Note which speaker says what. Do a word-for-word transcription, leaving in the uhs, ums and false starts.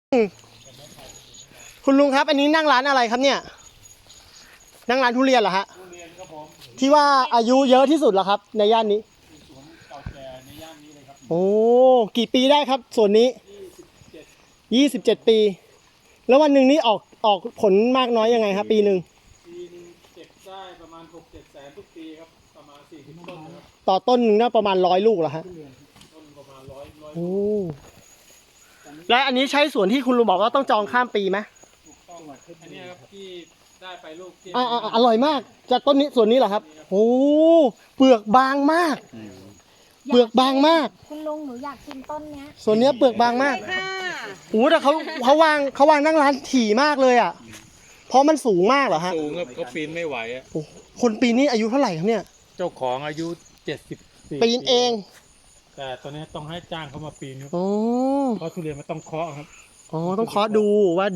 Speaker 1: คุณลุงครับอันนี้นั่งร้านอะไรครับเนี่ยนั่งร้านทุเรียนเหรอฮะ
Speaker 2: ทุเรียนครับผม
Speaker 1: ที่ว่าอายุเยอะที่สุดเหรอครับในย่านนี้
Speaker 2: สวนเก่าแก่ในย่านนี้เลยครับ
Speaker 1: โอ้กี่ปีได้ครับส่วนนี้
Speaker 2: ยี่สิบเจ็ด
Speaker 1: ยี่สิบเจ็ดปีแล้ววันหนึ่งนี่ออกออกผลมากน้อยยังไงครับปีหนึ่ง
Speaker 2: ปีหนึงเก็บได้ประมาณหกเจ็ดแสนทุกปีครับประมาณสี่สิบต้นนะครับ
Speaker 1: ต่อต้นหนึ่งน่าประมาณร้อยลูกเหรอฮะ
Speaker 2: ต้นประมาณร้อยร้อย
Speaker 1: โอ้และอันนี้ใช้สวนที่คุณลุงบอกว่าต้องจองข้ามปีไหม
Speaker 2: ถูกต้องอันนี้ครับที่ได้ไปลูกที่
Speaker 1: อ่าอร่อยมากจากต้นนี้ส่วนนี้เหรอครับโอ้เปลือกบางมากเปลือกบางมาก
Speaker 3: คุณลุงหนูอยากชิมต้นเนี้ย
Speaker 1: ส่วนนี้เปลือกบางมากโอ้แต่เขาเขาวางเขาวางนั่งร้านถี่มากเลยอ่ะเพราะมันสูงมากเหรอฮะ
Speaker 2: สูงครับเขาปีนไม่ไหวอ่ะ
Speaker 1: คนปีนี้อายุเท่าไหร่ครับเนี่ย
Speaker 2: เจ้าของอายุเจ็ดสิบสี่
Speaker 1: ปีนเอง
Speaker 2: แต่ตอนนี้ต้องให้จ้างเขามาปีนครับ
Speaker 1: อ๋อ
Speaker 2: เพราะทุเรียนมันต้องเคาะครับ
Speaker 1: อ๋อต้องเคาะดูว่า